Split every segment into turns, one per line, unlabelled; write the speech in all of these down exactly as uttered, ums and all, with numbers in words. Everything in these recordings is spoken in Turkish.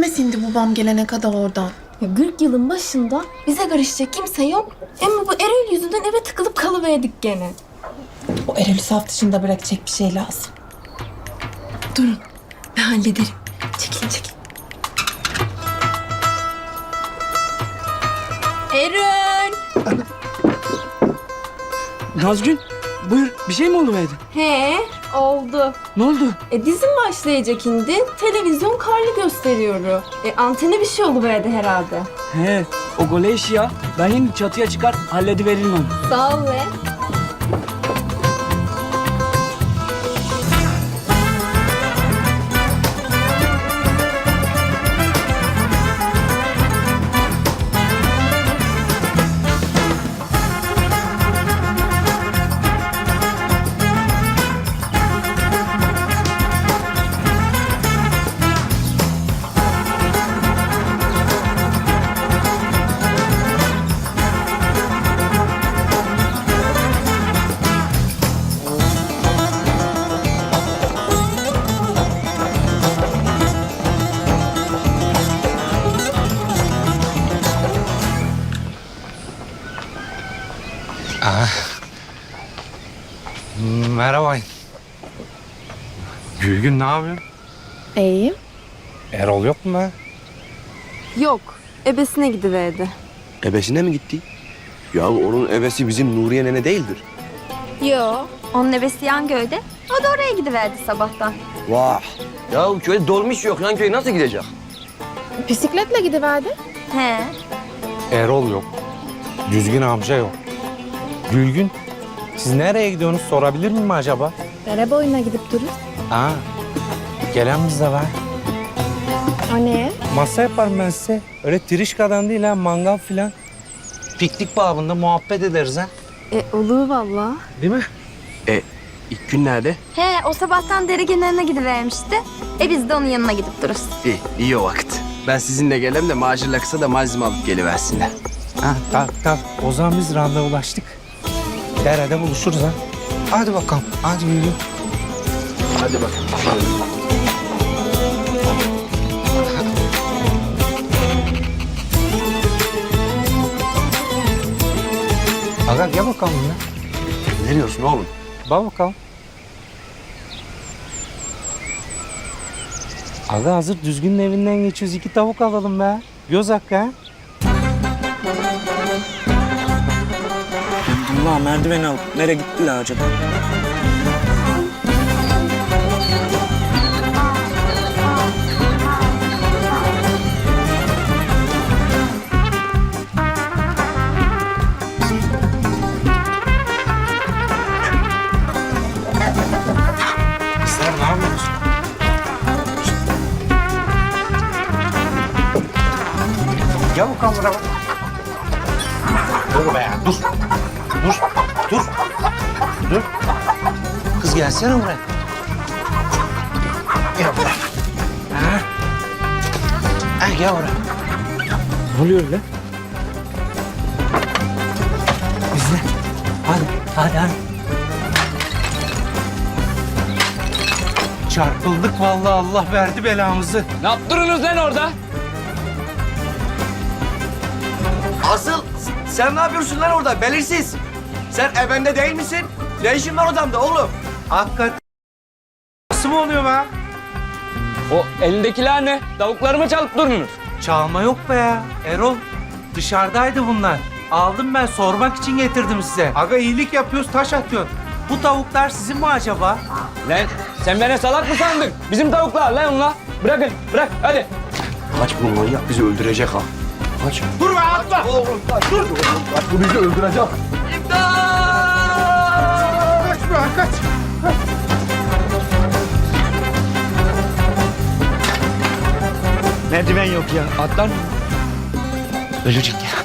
içime sindi babam gelene kadar oradan.
Ya kırk yılın başında bize karışacak kimse yok. Ama bu Erol yüzünden eve tıkılıp kalıverdik gene.
O Erol'ü saf dışında bırakacak bir şey lazım.
Durun, ben hallederim. Çekilin, çekilin. Erol!
Nazgül, buyur. Bir şey mi oldu Mehdi?
He, oldu.
Ne oldu?
E dizim başlayacak indi. Televizyon karlı gösteriyor. E antene bir şey oluverdi herhalde.
He, o gole işi ya. Ben şimdi çatıya çıkar, hallediveririm onu.
Sağ ol be.
Merhaba. Gülgün ne yapıyorsun?
İyiyim.
Erol yok mu be?
Yok, ebesine gidiverdi.
Ebesine mi gitti? Ya onun ebesi bizim Nuriye nene değildir.
Yo, onun ebesi Yangöy'de. O da oraya gidiverdi sabahtan.
Vah! Ya köyde dolmuş yok lan, köy nasıl gidecek?
Bisikletle gidiverdi.
He.
Erol yok. Düzgün amca yok. Gülgün, siz nereye gidiyorsunuz sorabilir miyim acaba?
Dere boyuna gidip durur.
Aa, gelen bize var.
O ne?
Masa yaparım ben size. Öyle trişkadan değil ha, mangal filan. Piknik babında muhabbet ederiz ha.
E olur valla.
Değil mi?
E, ilk gün nerede?
He, o sabahtan dere kenarına gidivermişti. E biz de onun yanına gidip dururuz.
İyi, iyi o vakit. Ben sizinle gelem de macirle kısa da malzeme alıp geliversinler.
Ha, tamam tamam. O zaman biz randevulaştık. Derede buluşuruz ha. Hadi bakalım, hadi yürü.
Hadi bakalım.
Aga gel bakalım ya.
Ne diyorsun oğlum?
Bak bakalım. Aga hazır düzgünün evinden geçiyoruz. İki tavuk alalım be. Göz hakkı ha.
Allah merdiveni alıp nereye gittiler acaba?
Sen ne yapıyorsun? Gel bakalım buraya. Dur be, dur. Dur, dur. Dur. Kız gelsene buraya. Gel buraya. Ha? Ha, gel buraya.
Ne oluyor öyle?
İzle. Hadi, hadi, hadi. Çarpıldık vallahi, Allah verdi belamızı.
Ne yaptırıyorsunuz lan orada?
Asıl sen ne yapıyorsun lan orada belirsiz? Sen ebende değil misin? Ne işin var odamda oğlum?
Hakikaten nasıl mı oluyor be?
O elindekiler ne? Tavuklarımı çalıp durunuz.
Çalma yok be ya. Erol, dışarıdaydı bunlar. Aldım ben, sormak için getirdim size. Aga iyilik yapıyoruz, taş atıyorsun. Bu tavuklar sizin mi acaba?
Lan sen beni salak mı sandın? Bizim tavuklar lan onlar. Bırakın, bırak hadi.
Kaç bu manyak bizi öldürecek ha. Kaç.
Dur be, atla!
Oğlum kaç. Dur. Kaç bu bizi öldürecek. İmdat!
Kaç be, kaç!
Merdiven yok ya. Atlar mı?
Ölecek ya.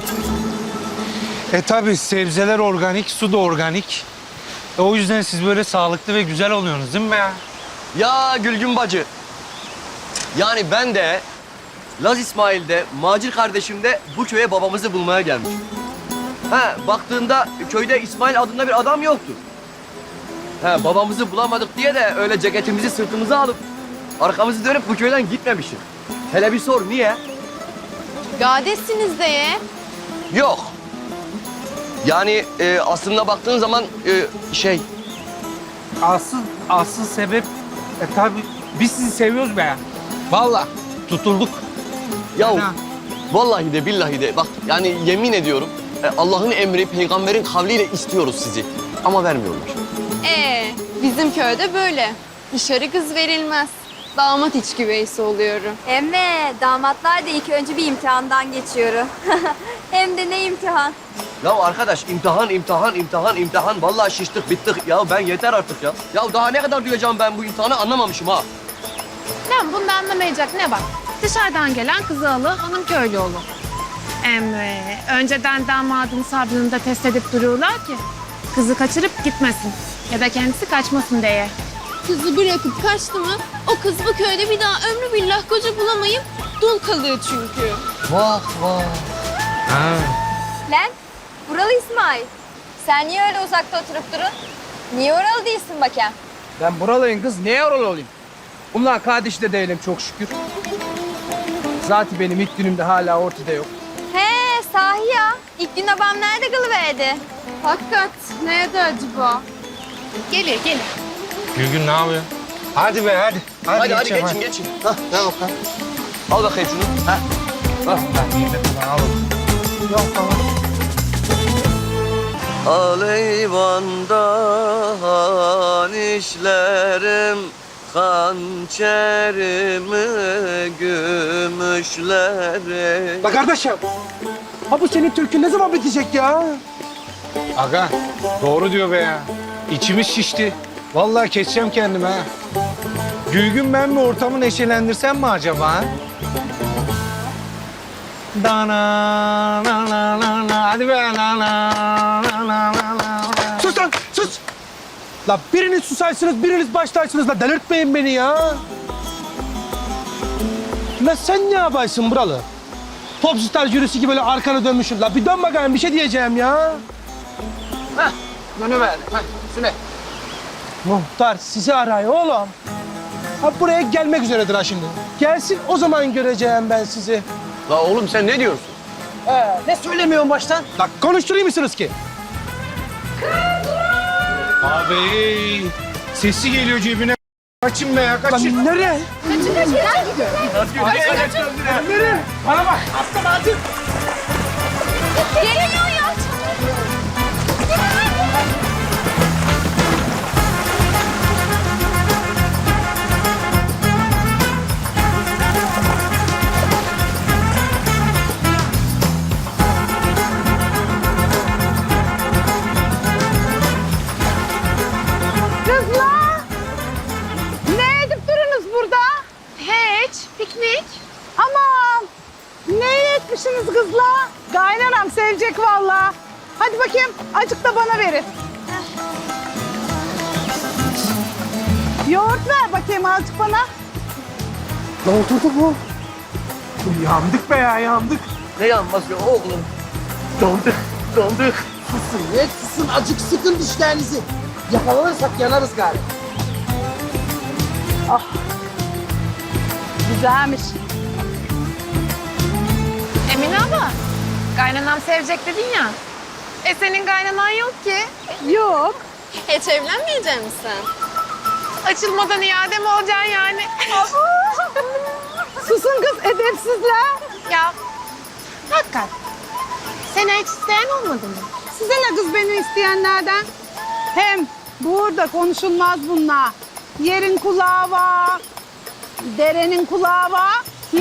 E tabi sebzeler organik, su da organik. E, o yüzden siz böyle sağlıklı ve güzel oluyorsunuz değil mi be ya?
Ya Gülgün bacı. Yani ben de Laz İsmail'de, Macir kardeşim de bu köye babamızı bulmaya gelmiş. Ha, baktığında köyde İsmail adında bir adam yoktu. Ha, babamızı bulamadık diye de öyle ceketimizi sırtımıza alıp arkamızı dönüp bu köyden gitmemişim. Hele bir sor, niye?
Gadesiniz de ye.
Yok. Yani e, aslında baktığın zaman e, şey...
Asıl, asıl sebep... E tabi biz sizi seviyoruz be. Vallahi tutulduk.
Ya
Ha.
vallahi de billahi de bak yani yemin ediyorum e, Allah'ın emri peygamberin kavliyle istiyoruz sizi. Ama vermiyorlar.
Ee, bizim köyde böyle. Dışarı kız verilmez. Damat iç güveysi oluyorum.
Emme damatlar da ilk önce bir imtihandan geçiyor. Hem de ne imtihan.
Ya arkadaş imtihan, imtihan, imtihan, imtihan. Vallahi şiştik, bittik. Ya ben yeter artık ya. Ya daha ne kadar duyacağım ben bu imtihanı anlamamışım ha.
Lan bunda anlamayacak ne var? Dışarıdan gelen kızı alır, onun köylü olur. Emre, önceden damadın sabrını da test edip duruyorlar ki... ...kızı kaçırıp gitmesin ya da kendisi kaçmasın diye.
Kızı bırakıp kaçtı mı o kız bu köyde bir daha ömrü billah koca bulamayıp dul kalıyor çünkü.
Vah vah.
Ha.
Lan buralı İsmail. Sen niye öyle uzakta oturup durun? Niye oralı değilsin bakayım?
Ben buralıyım kız. Niye oralı olayım? Bunlar kardeş de değilim çok şükür. Zaten benim ilk günümde hala ortada yok.
He sahi ya. İlk gün babam nerede kalıverdi?
Hakikat nerede acaba?
Gelir, gelir.
Gülgün ne yapıyor? Hadi be hadi.
Hadi hadi,
geçelim,
geçin geçin. Hah ne bakalım. Al bakayım şunu. Hah. Hah.
Yok tamam.
Aleyvanda han işlerim, hançerimi gümüşlerim.
La kardeşim, ha bu senin türkün ne zaman bitecek ya?
Aga doğru diyor be ya. İçimiz şişti. Vallahi keseceğim kendimi ha. Gülgün ben mi ortamı neşelendirsem mi acaba? Ha? Dana, na, na, na, na. Hadi be na, na, na, na, na, na.
Sus lan, sus! La biriniz susarsınız, biriniz başlarsınız la delirtmeyin beni ya. La sen ne yaparsın buralı? Popstar jürisi gibi böyle arkana dönmüşsün. La bir dön bakayım bir şey diyeceğim ya.
Dönüverdi. Hah, Süne.
Muhtar sizi arıyor oğlum. Ha buraya gelmek üzeredir ha şimdi. Gelsin o zaman göreceğim ben sizi.
La oğlum sen ne diyorsun?
Ee, ne söylemiyorsun baştan? La konuşturayım mısınız ki?
Abi sesi geliyor cebine. Kaçın be ya kaçın.
Lan nereye? Nereye? Bana bak.
Geliyor ya.
Kızlar! Ne edip durunuz burada? Hiç, piknik. Aman! Ne etmişsiniz kızlar? Kaynanam sevecek vallahi. Hadi bakayım, acık da bana verin. Yoğurt ver bakayım azıcık bana.
La oturdu bu. Yandık be ya yandık.
Ne yanmaz ya oğlum?
Donduk, donduk. Susun, ne susun. Acık sıkın dişlerinizi. Yakalanırsak yanarız galiba.
Güzelmiş. Emine abla, kaynanam sevecek dedin ya. E senin kaynanan yok ki. Yok.
Hiç evlenmeyecek misin?
Açılmadan iade mi olacaksın yani? Susun kız edepsizler. Ya hakikat. Seni hiç isteyen olmadı mı?
Size ne kız beni isteyenlerden? Hem burada konuşulmaz bunlar. Yerin kulağı var, derenin kulağı var. Hı?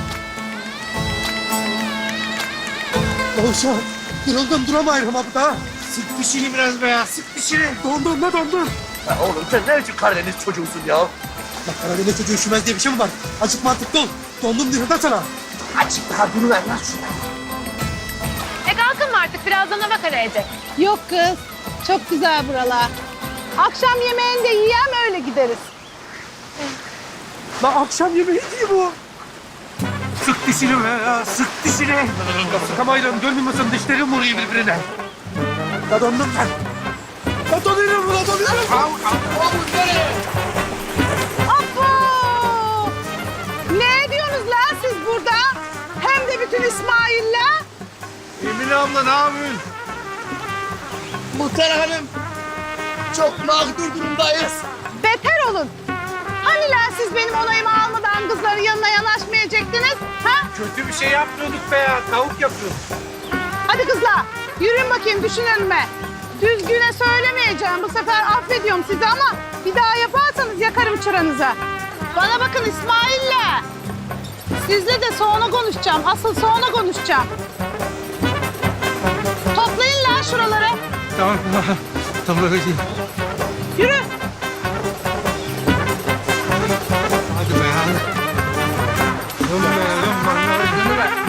Oğuzhan, yoruldum duramayırım abi daha. Sık dişini biraz be ya, sık dişini. Dondum ne dondum.
Ya oğlum sen ne biçim Karadeniz çocuğusun ya?
Bak Karadeniz çocuğu üşümez diye bir şey mi var? Azıcık mantıklı ol. Dondum diyorum da sana. Azıcık daha duruver lan şuna.
E kalkın mı artık? Birazdan hava karayacak.
Yok kız, çok güzel buralar. Akşam yemeğini de yiyem öyle gideriz.
Lan akşam yemeği değil bu. Sık dişini be ya, sık dişini. Ya sıkamayırım, görmüyorsun dişlerim vuruyor birbirine. La dondum ben. La donuyorum, la donuyorum.
Apo! Ne ediyorsunuz lan siz? bütün İsmail'le?
Emine abla ne yapıyorsun?
Muhtar Hanım, çok mağdur durumdayız.
Beter olun. Hani lan siz benim onayımı almadan kızların yanına yanaşmayacaktınız? Ha?
Kötü bir şey yapmıyorduk be ya. Tavuk yapıyorduk.
Hadi kızlar yürüyün bakayım düşün önüme. Düzgüne söylemeyeceğim bu sefer affediyorum sizi ama bir daha yaparsanız yakarım çıranıza. Bana bakın İsmail'le. Sizle de sonra konuşacağım. Asıl sonra konuşacağım. Toplayın lan şuraları.
Tamam tamam. Tamam öyle değil.
Yürü.
Hadi be ya. Dön be dön bana. Dön be.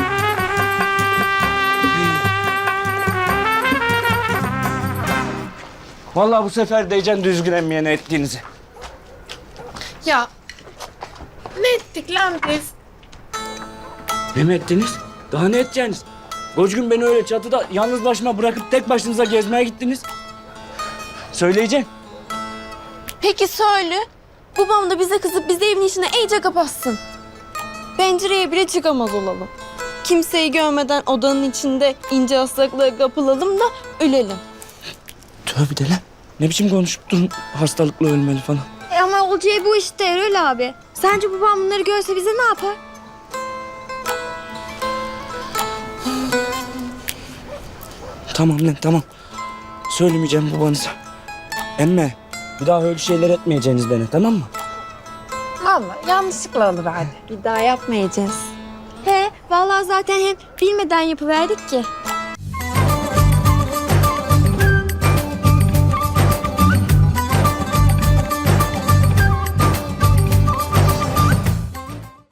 Vallahi bu sefer diyeceğim düzgün emmeyene ettiğinizi.
Ya ne ettik lan biz?
Ne mi ettiniz? Daha ne edeceksiniz? Koç gün beni öyle çatıda yalnız başıma bırakıp tek başınıza gezmeye gittiniz. Söyleyeceğim.
Peki söyle. Babam da bize kızıp bizi evin içine iyice kapatsın. Pencereye bile çıkamaz olalım. Kimseyi görmeden odanın içinde ince hastalıklara kapılalım da ölelim.
Tövbe de lan. Ne biçim konuşup durun hastalıkla ölmeli falan.
E ama olacağı bu işte Erol abi. Sence babam bunları görse bize ne yapar?
Tamam lan tamam. Söylemeyeceğim babanıza. Emme bir daha öyle şeyler etmeyeceğiniz bana tamam mı?
Vallahi yanlışlıkla olur hadi.
Bir daha yapmayacağız.
He vallahi zaten hem bilmeden yapıverdik ki.